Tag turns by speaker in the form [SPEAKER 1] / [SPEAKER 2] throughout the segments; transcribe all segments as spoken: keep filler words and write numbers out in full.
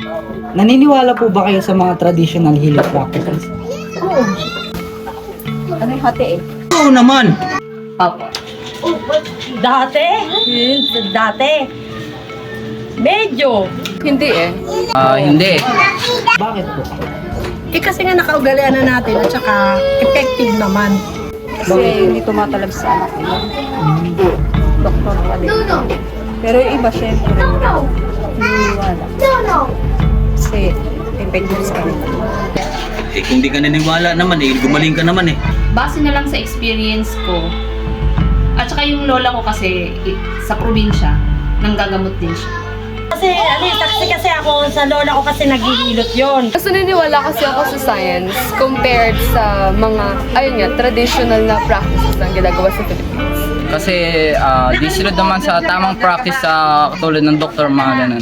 [SPEAKER 1] Naniniwala po ba kayo sa mga traditional healing practices?
[SPEAKER 2] Oo. Ano yung hati eh?
[SPEAKER 1] Oo naman!
[SPEAKER 2] Opo. Dati? Hmm, dati. Medyo. Hindi eh.
[SPEAKER 3] Ah, hindi.
[SPEAKER 1] Bakit po?
[SPEAKER 4] Eh kasi nga nakaugalian na natin at saka effective naman.
[SPEAKER 2] Kasi hindi tumatalab sa anak nila. Doktor pa din. Pero yung iba, syempre, naniniwala. Kasi effective sa kanila.
[SPEAKER 3] Eh, kung di ka naniniwala naman eh, gumaling ka naman eh.
[SPEAKER 5] Base na lang sa experience ko. At saka yung lola ko kasi i- sa probinsya, nanggagamot din siya.
[SPEAKER 4] Kasi ano yung saksi kasi ako sa lola ko kasi naghihilot yon.
[SPEAKER 6] Mas naniniwala kasi ako sa science compared sa mga, ayun nga, traditional na practices na ginagawa sa Philippines.
[SPEAKER 3] Kasi ah, di sila naman sa tamang practice sa katulad ng doktor, mga ganun.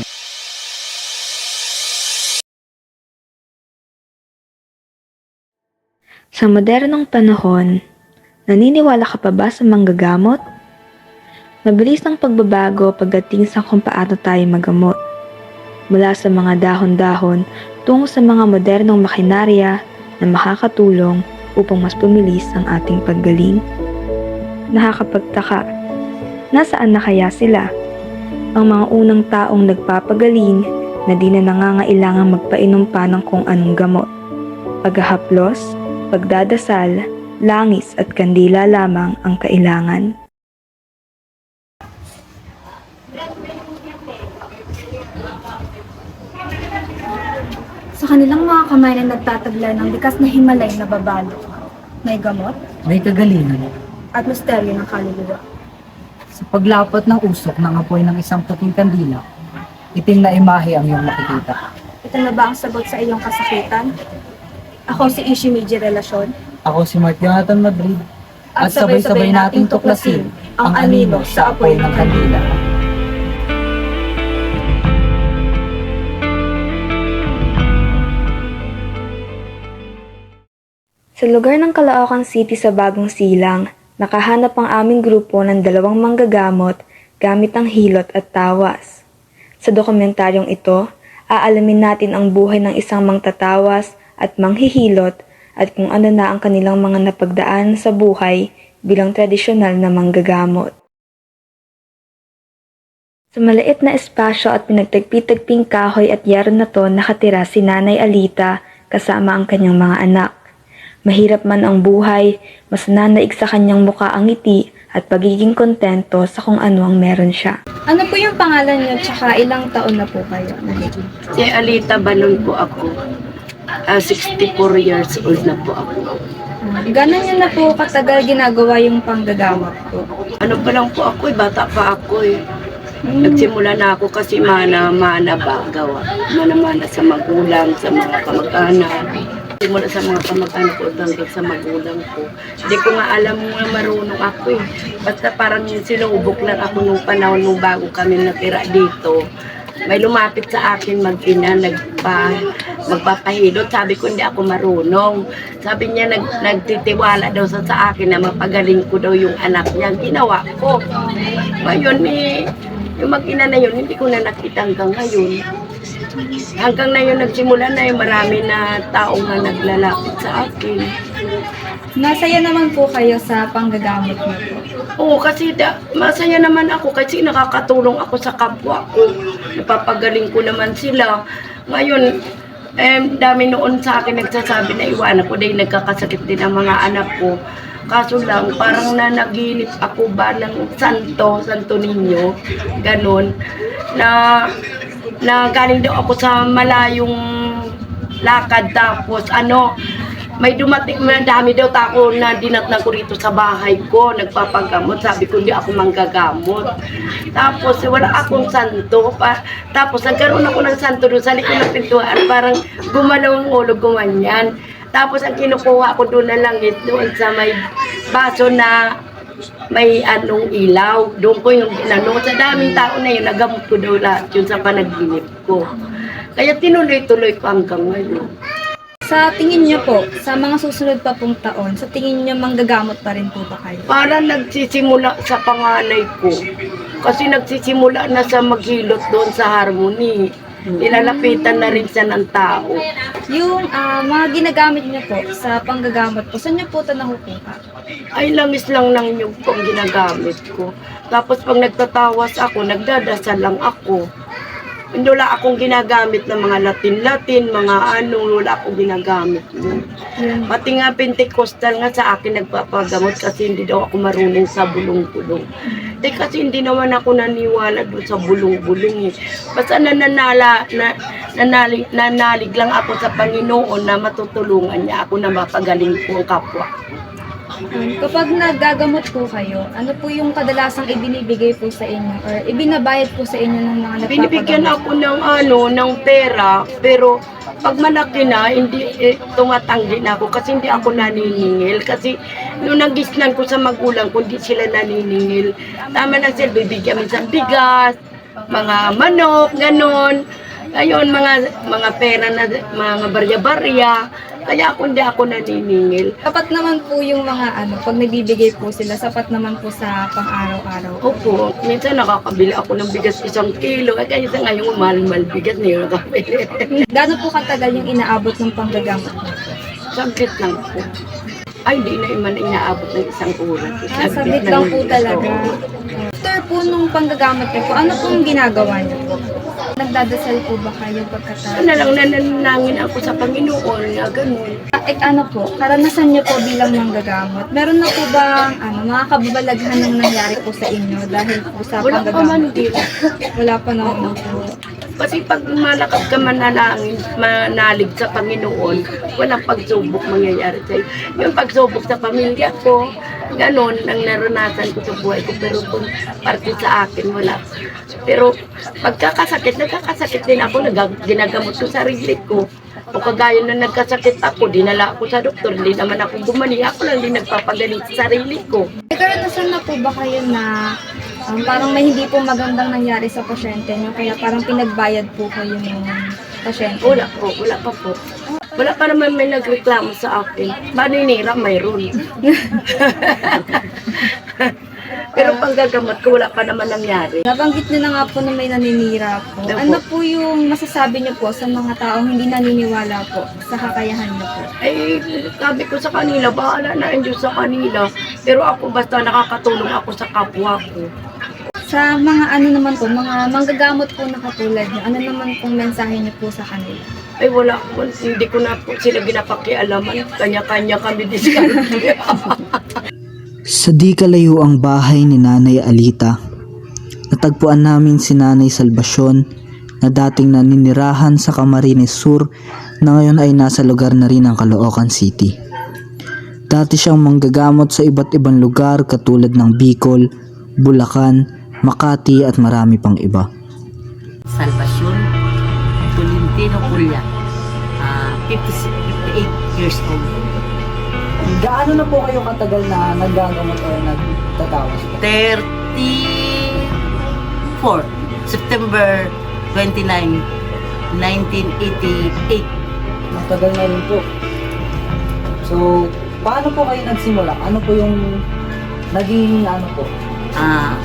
[SPEAKER 7] Sa modernong panahon, naniniwala ka pa ba sa manggagamot? Mabilis ang pagbabago pagdating sa kung paano tayo magamot. Mula sa mga dahon-dahon tungo sa mga modernong makinarya na makakatulong upang mas pumilis ang ating paggaling. Nakakapagtaka, nasaan na kaya sila? Ang mga unang taong nagpapagaling na di na nangangailangang magpainom pa ng kung anong gamot. Paghahaplos, pagdadasal, langis at kandila lamang ang kailangan.
[SPEAKER 8] Sa kanilang mga kamay na nagtataglay ng likas na Himalay na babalo, may gamot
[SPEAKER 1] May kagalingan.
[SPEAKER 8] at misteryo ng kaluluwa.
[SPEAKER 1] Sa paglapat ng usok ng apoy ng isang puting kandila, itim na imahe ang iyong makikita.
[SPEAKER 8] Ito na ba ang sagot sa iyong kasakitan? Ako si Ishimiji Relasyon
[SPEAKER 1] Ako si Mark Jonathan Madrid
[SPEAKER 8] at sabay-sabay nating tuklasin ang anino sa apoy ng kandila.
[SPEAKER 7] Sa lugar ng Caloocan City sa Bagong Silang, nakahanap ang aming grupo ng dalawang manggagamot gamit ang hilot at tawas. Sa dokumentaryong ito, aalamin natin ang buhay ng isang mangtatawas at manghihilot at kung ano na ang kanilang mga napagdaan sa buhay bilang tradisyonal na manggagamot. Sa maliit na espasyo at pinagtagpi-tagping kahoy at yero na to nakatira si Nanay Alita kasama ang kanyang mga anak. Mahirap man ang buhay, mas nanaig sa kanyang muka ang ngiti at pagiging kontento sa kung ano ang meron siya.
[SPEAKER 8] Ano po yung pangalan niyo tsaka ilang taon na po kayo?
[SPEAKER 9] Si Alita Balon po ako. Ah, sixty-four years old na po ako.
[SPEAKER 8] Gano'n niyo na po katagal ginagawa yung panggagamot po?
[SPEAKER 9] Ano pa lang po ako eh, bata pa ako eh. Nagsimula na ako kasi mana-mana ba gawa. Mana-mana sa magulang, sa mga kamag-anak. Simula sa mga kamag-anak ko hanggang sa magulang ko. Hindi ko nga alam nga marunong ako eh. Basta parang sinubok lang ako nung panahon nung bago kami natira dito. May lumapit sa akin mag-ina, nagpa, magpapahilot. Sabi ko, hindi ako marunong. Sabi niya, nag, nagtitiwala daw sa, sa akin na mapagaling ko daw yung anak niya. Ginawa ko. Ngayon eh, yung mag-ina na yun, hindi ko na nakita hanggang ngayon. Hanggang na yun, nagsimula na yung marami na tao nga naglalapit sa akin.
[SPEAKER 8] Masaya naman po kayo sa panggagamot niyo po.
[SPEAKER 9] Oo, kasi da, masaya naman ako kasi nakakatulong ako sa kapwa ko. Napapagaling ko naman sila. Ngayon, eh, dami noon sa akin nagsasabi na iwanan ko dahil nagkakasakit din ang mga anak ko. Kaso lang, parang nanaginip ako ba ng santo, santo ninyo, ganun, na, na galing daw ako sa malayong lakad tapos ano, may dumating, may dami daw tako na dinatnan ko rito sa bahay ko, nagpapagamot. Sabi ko, hindi ako manggagamot. Tapos, wala akong santo. Pa, tapos, nagkaroon ako ng santo doon sa likod ng pintuan. Parang gumalaw ang ulo, gumanyan. Tapos, ang kinukuha ko doon na langit, doon sa may baso na may anong ilaw. Doon ko yung ginano. Sa daming tao na yun, nagamot ko daw lahat yun sa panaginip ko. Kaya tinuloy-tuloy ko hanggang ngayon.
[SPEAKER 8] Sa tingin niyo po, sa mga susunod pa pong taon, sa tingin niyo manggagamot pa rin po ba kayo?
[SPEAKER 9] Para nagsisimula sa panganay ko. Kasi nagsisimula na sa maghilot doon sa Harmony. Nilalapitan na rin siya ng tao.
[SPEAKER 8] Yung ah, mga ginagamit niyo po sa panggagamot po, saan niyo po ito nakukuha?
[SPEAKER 9] Ay, langis lang ng nyug ko ang ginagamit ko. Tapos pag nagtatawas ako, nagdadasal lang ako. Hindi wala akong ginagamit ng mga Latin-Latin, mga ano, wala akong ginagamit. Pati nga Pentecostal nga sa akin nagpapagamot kasi hindi daw ako marunong sa bulong-bulong. Eh kasi hindi naman ako naniwala doon sa bulong-bulong eh. Basta nananala, na, nanalig, nanalig lang ako sa Panginoon na matutulungan niya ako na mapagaling po ang kapwa.
[SPEAKER 8] Um, kapag nagagamot po kayo, ano po yung kadalasang ibinibigay po sa inyo or ibinabayad po sa inyo ng mga nagpapagamot?
[SPEAKER 9] Binibigyan ako ng ano, ng pera, pero pag malaki na, hindi eh, tumatanggi na ako kasi hindi ako naniningil. Kasi nung nagisnan ko sa magulang ko, hindi sila naniningil. Tama na sila, bibigyan minsan bigas, mga manok, ganon. Ayun, mga mga pera na, mga barya-barya. Kaya ako hindi ako naniningil.
[SPEAKER 8] Sapat naman po yung mga ano, pag nagbibigay po sila, sapat naman po sa pang-araw-araw.
[SPEAKER 9] Opo, minsan nakakabili ako ng bigas isang kilo. Kaya isa ngayon mahal-mahal bigas na yun nakabili.
[SPEAKER 8] Gaano po katagal yung inaabot ng panggagamot niyo?
[SPEAKER 9] Saglit lang po. Ay, di na iman inaabot ng isang oras.
[SPEAKER 8] Ah, saglit lang po talaga. After po nung panggagamot niyo po, ano pong ginagawa niyo po? Nagdadasal po ba kayo pagkatapos?
[SPEAKER 9] Ano lang, nananangin ako sa Panginoon na ganun.
[SPEAKER 8] Eh ano po, karanasan niyo po bilang manggagamot, meron na po bang ano, mga kababalaghan ng nangyari po sa inyo dahil po sa
[SPEAKER 9] Wala pa man
[SPEAKER 8] panggagamot?
[SPEAKER 9] din.
[SPEAKER 8] Wala pa naman po.
[SPEAKER 9] Kasi pag malakas ka manalangin, manalig sa Panginoon, walang pagsubok mangyayari sa'yo. Yung pagsubok sa pamilya ko, ganon ang naranasan ko sa buhay ko. Pero kung parte sa akin, wala. Pero pagkakasakit, nagkakasakit din ako, nag- ginagamot ko sarili ko. O kagaya na nagkasakit ako, dinala ako sa doktor, hindi naman ako gumaling. Ako lang din nagpapagaling sa sarili ko.
[SPEAKER 8] Eh, karanasan na po ba kayo na um, parang may hindi po magandang nangyari sa pasyente niyo, kaya parang pinagbayad po kayo ng pasyente?
[SPEAKER 9] Wala po, wala pa po. Wala pa naman may nagreklamo sa akin. Maninira, mayroon. Pero panggagamot ko, wala pa naman nangyari.
[SPEAKER 8] Nabanggit niyo na nga po na may naninira po.
[SPEAKER 9] Opo.
[SPEAKER 8] Ano po yung masasabi niyo po sa mga taong hindi naniniwala po sa kakayahan niyo po?
[SPEAKER 9] Eh, sabi ko sa kanila, bahala na ang Diyos sa kanila. Pero ako basta nakakatulong ako sa kapwa ko.
[SPEAKER 8] Sa mga ano naman po, mga manggagamot po na katulad niyo, ano naman pong mensahe niyo po sa kanila?
[SPEAKER 9] Ay wala po, hindi ko na po sila ginapakialaman. Kanya-kanya kami diskarte.
[SPEAKER 10] Sa di kalayo ang bahay ni Nanay Alita, natagpuan namin si Nanay Salvacion na dating naninirahan sa Camarines Sur na ngayon ay nasa lugar na rin ng Caloocan City. Dati siyang manggagamot sa iba't ibang lugar katulad ng Bicol, Bulacan, Makati at marami pang iba.
[SPEAKER 11] Salvacion Tolentino Pulya, uh, fifty-eight years old.
[SPEAKER 1] Gaano na po kayo katagal na naggagamot o nagtatawas po?
[SPEAKER 11] thirty-four, September twenty-nine, nineteen eighty-eight.
[SPEAKER 1] Matagal na rin po. So, paano po kayo nagsimula? Ano po yung naging ano po?
[SPEAKER 11] Ah,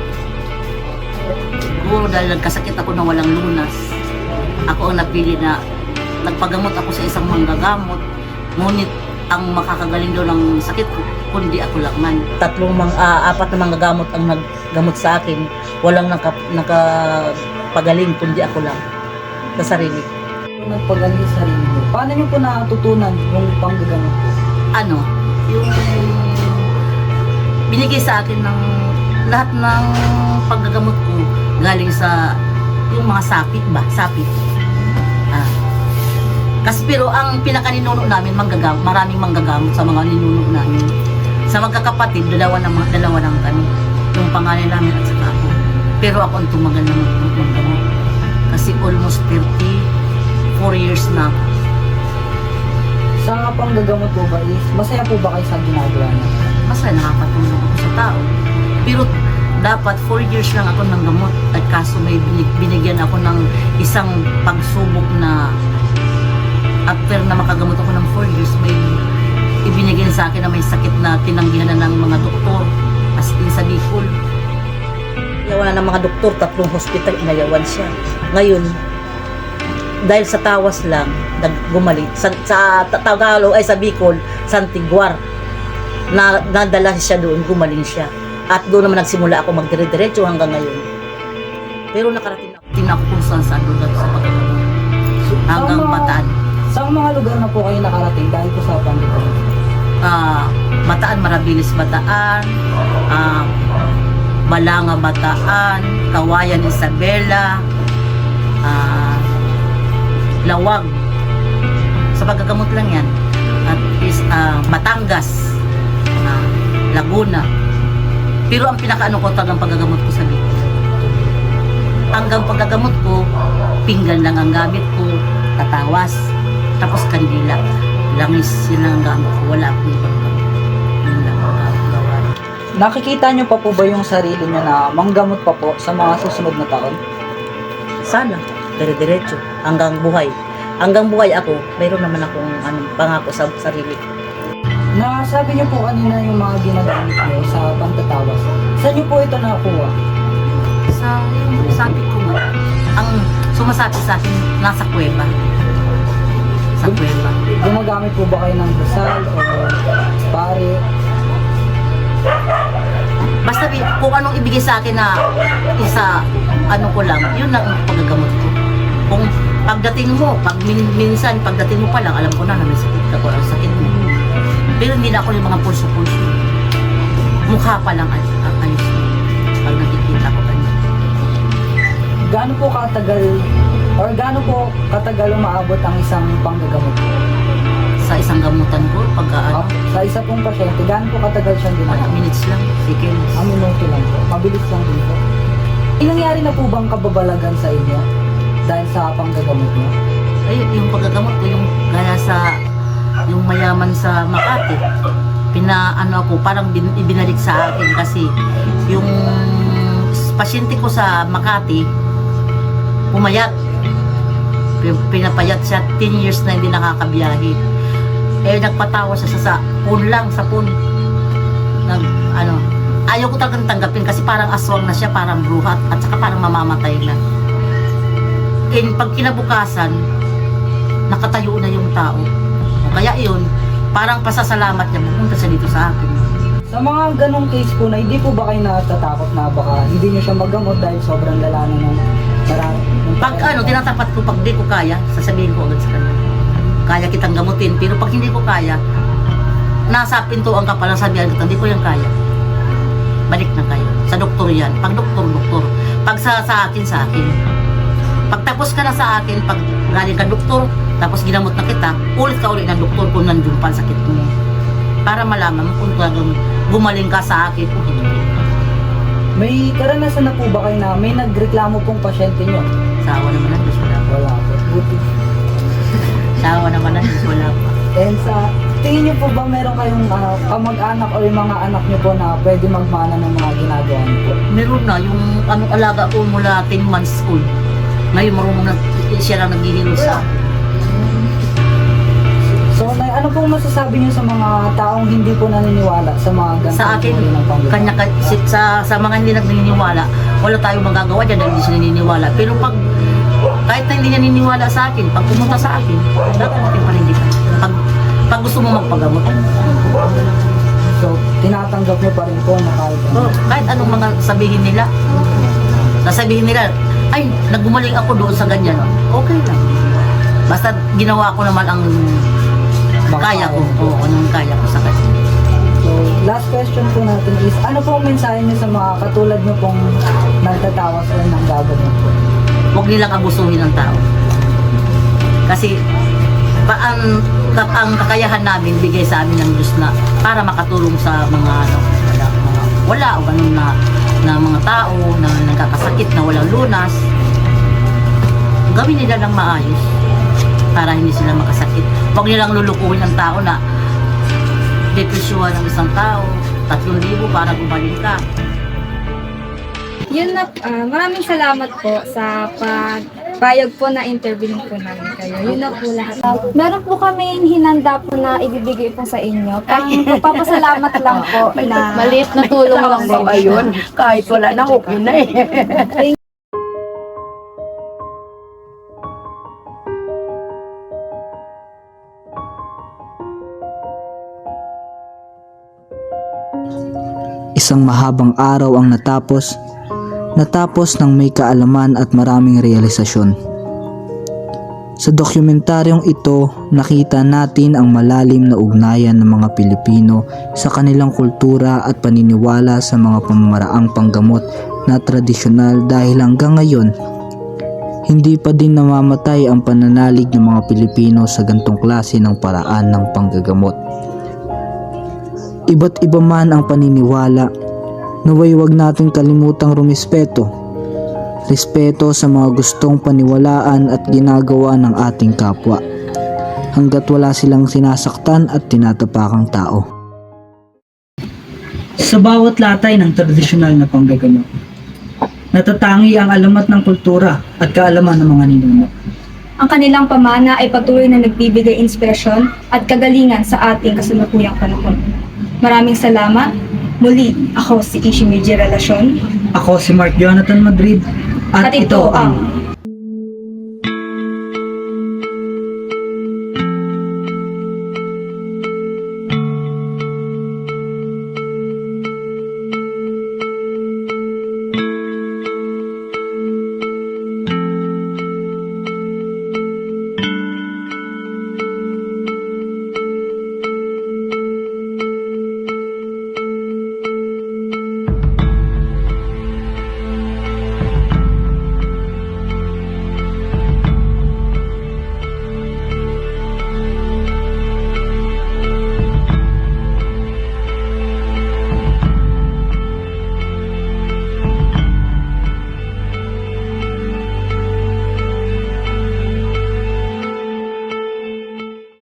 [SPEAKER 11] siguro dahil nagkasakit ako na walang lunas, ako ang napili na nagpagamot ako sa isang manggagamot, ngunit ang makakagaling daw ng sakit ko, kundi ako lang man. Tatlong mang, uh, apat na manggagamot ang naggamot sa akin, walang naka, nakapagaling, kundi ako lang sa sarili.
[SPEAKER 1] Nagpagaling sa sarili mo. Paano niyo po natutunan yung panggagamot po?
[SPEAKER 11] Ano, yung binigay sa akin ng lahat ng paggagamot ko galing sa yung mga sapit ba? Sapit. Ah. Kasi pero ang pinakaninuno namin manggagamot, maraming manggagamot sa mga ninuno namin. Sa magkakapatid, dalawa na dalawa lang kami. Yung pangalan namin at saka ako. Pero ako ang tumagal na manggamot. Kasi almost thirty-four years na ako.
[SPEAKER 1] Sa panggagamot po ba is, masaya po ba kayo sa ginagawa niyo?
[SPEAKER 11] Masaya, nakakatulong ako sa tao. Pero dapat four years lang ako ng gamot. At kaso may binigyan ako ng isang pagsubok na after na makagamot ako ng four years, may ibinigay sa akin na may sakit na tinanggihan na ng mga doktor, as in sa Bicol. Inayawan na ng mga doktor, tatlong hospital, inayawan siya. Ngayon, dahil sa tawas lang, naggumaling. Sa, sa Tagalog, ay sa Bicol, Santiguar. Na, nadala siya doon, gumaling siya. At doon naman nagsimula ako magdire-diretso hanggang ngayon. Pero nakarating ako, tingnan ako kung saan saan doon sa pagkakamot. Hanggang
[SPEAKER 1] Sa mga-
[SPEAKER 11] Bataan.
[SPEAKER 1] Sa mga lugar na po kayo nakarating dahil po sa pandemya?
[SPEAKER 11] Ah, Bataan, Marabilis, Bataan, ah, Balanga, Bataan, Kawayan, Isabela, ah, Lawag. Sa pagkagamot lang yan. At is ah, Batangas, ah, Laguna. Pero ang pinakaano ko talagang paggagamot ko sa Bicol. Hanggang paggagamot ko, pinggan lang ang gamit ko, tatawas, tapos kandila. Langis, yun lang ang gamit ko. Wala akong ibang gamit. Yun lang ang gamit gawa.
[SPEAKER 1] Nakikita niyo pa po ba yung sarili niyo na manggamot pa po sa mga susunod na taon?
[SPEAKER 11] Sana, dire-diretso, hanggang buhay. Hanggang buhay ako, mayroon naman akong ano, pangako sa sarili ko.
[SPEAKER 1] Nasabi niyo po kanina yung mga ginagamit niyo sa pantatawas. Saan niyo po ito nakuha?
[SPEAKER 11] Sa yung sabi ko nga, ang sumasabi sa akin, nasa kuweba. Sa kuweba.
[SPEAKER 1] Gumagamit po ba kayo ng dasal o pare?
[SPEAKER 11] Basta bi- kung anong ibigay sa akin na isa, ano ko lang, yun lang ang paggagamot ko. Kung pagdating mo, pag min- minsan, pagdating mo pa lang, alam ko na na may sakit ka o ang sakit mo. Pero hindi na ako yung mga pulso-pulso. Mukha pa lang ang ang ayos mo. Pag nakikita ko kanina.
[SPEAKER 1] Gaano po katagal or gaano po katagal umaabot ang isang panggagamot?
[SPEAKER 11] Sa isang gamutan ko, pag ano,
[SPEAKER 1] Ah, sa isa pong pasyente, gaano po katagal siyang
[SPEAKER 11] wala,
[SPEAKER 1] ginagawa?
[SPEAKER 11] minutes lang, seconds.
[SPEAKER 1] Ang minuto lang po. Mabilis lang din po. May nangyari na po bang kababalagan sa inyo dahil sa panggagamot niyo?
[SPEAKER 11] Ay, yung paggagamot ko, yung gaya sa yung mayaman sa Makati, pinaano ako, parang bin, ibinalik sa akin kasi yung pasyente ko sa Makati, pumayat. Pin- Pinapayat siya, ten years na hindi nakakabiyahe. Eh, nagpatawa siya sa, sa phone lang, sa phone. Nag, ano, ayaw ko talagang tanggapin kasi parang aswang na siya, parang bruhat, at saka parang mamamatay na. And pag kinabukasan, nakatayo na yung tao. O kaya yun, parang pasasalamat niya, pupunta siya dito sa akin.
[SPEAKER 1] Sa mga ganong case po na hindi po ba kayo natatakot na baka hindi niyo siya magamot dahil sobrang lala na ng marami?
[SPEAKER 11] Pag ano, tinatapat ko, pag di ko kaya, sasabihin ko agad sa kanya. Kaya kitang gamutin, pero pag hindi ko kaya, nasa pintuan ka palang sabihan kita, hindi ko yan kaya. Balik na kayo. Sa doktor yan. Pag doktor, doktor. Pag sa, sa akin, sa akin. Pag tapos ka na sa akin, pag galing ka doktor, tapos ginamot na kita, ulit ka ulit ng doktor kung nandun pa ang sakit mo. Para malaman mo kung talagang gumaling ka sa akin o hindi.
[SPEAKER 1] May karanasan na po ba kayo na may nagreklamo pong pasyente niyo?
[SPEAKER 11] Sawa naman ang Diyos, wala pa.
[SPEAKER 1] Wala po. Buti.
[SPEAKER 11] Sawa naman ang Diyos, wala pa.
[SPEAKER 1] And sa tingin niyo po ba meron kayong ah, kamag-anak o yung mga anak niyo po na pwede magmana ng mga ginagawa niyo po?
[SPEAKER 11] Meron na, yung anong alaga ko mula ten months old. Ngayon marunong na siya lang naghihilo sa akin.
[SPEAKER 1] So, Nay, ano pong masasabi niyo sa mga taong hindi po naniniwala sa mga ganitong
[SPEAKER 11] Sa akin,
[SPEAKER 1] uri ng panggagamot?
[SPEAKER 11] kanya, si- sa, sa mga hindi naniniwala, wala tayong magagawa dyan dahil hindi siya naniniwala. Pero pag, kahit na hindi niya naniniwala sa akin, pag pumunta sa akin, dapat natin panindigan. Pag, pag gusto mo magpagamot,
[SPEAKER 1] So, tinatanggap niyo pa rin po na kahit ano.
[SPEAKER 11] oh, kahit anong mga sabihin nila, sasabihin nila, ay, naggumaling ako doon sa ganyan. Okay lang. Basta ginawa ko naman ang kaya ko. Oo, anong kaya ko sa kanya.
[SPEAKER 1] So, last question po natin is, ano po ang mensahe niyo sa mga katulad niyo pong nagtatawas o ng gagamot po?
[SPEAKER 11] Huwag nilang abusuhin ng tao. Kasi pa, ang, ka- ang kakayahan namin bigay sa amin ng Diyos na para makatulong sa mga ano, wala, mga, wala o ganun na, na mga tao na nagkakasakit na walang lunas. Gawin nila ng maayos para hindi sila makasakit. Huwag nilang lulukuhin ng tao na depresyuhan ng isang tao, tatlong libo para gumaling ka.
[SPEAKER 8] Yun na, ah, maraming salamat po sa pagpayag po na interview po namin kayo. Yun na po lahat. meron po kami hinanda po na ibibigay po sa inyo. Pang papasalamat lang po na
[SPEAKER 9] Maliit na tulong lang po ayun. Kahit wala na, okay na eh.
[SPEAKER 10] Isang mahabang araw ang natapos, natapos ng may kaalaman at maraming realisasyon. Sa dokumentaryong ito, nakita natin ang malalim na ugnayan ng mga Pilipino sa kanilang kultura at paniniwala sa mga pamamaraang panggamot na tradisyonal dahil hanggang ngayon, hindi pa din namamatay ang pananalig ng mga Pilipino sa gantong klase ng paraan ng panggagamot. Iba't iba man ang paniniwala, naway wag natin kalimutang rumispeto. Respeto sa mga gustong paniwalaan at ginagawa ng ating kapwa, hanggat wala silang sinasaktan at tinatapakang tao.
[SPEAKER 1] Sa bawat latay ng tradisyonal na panggagamot, natatangi ang alamat ng kultura at kaalaman ng mga ninuno.
[SPEAKER 8] Ang kanilang pamana ay patuloy na nagbibigay inspirasyon at kagalingan sa ating kasalukuyang panahon. Maraming salamat. Muli, ako si Ishimiji Relasyon.
[SPEAKER 1] Ako si Mark Jonathan Madrid. At,
[SPEAKER 8] At ito ang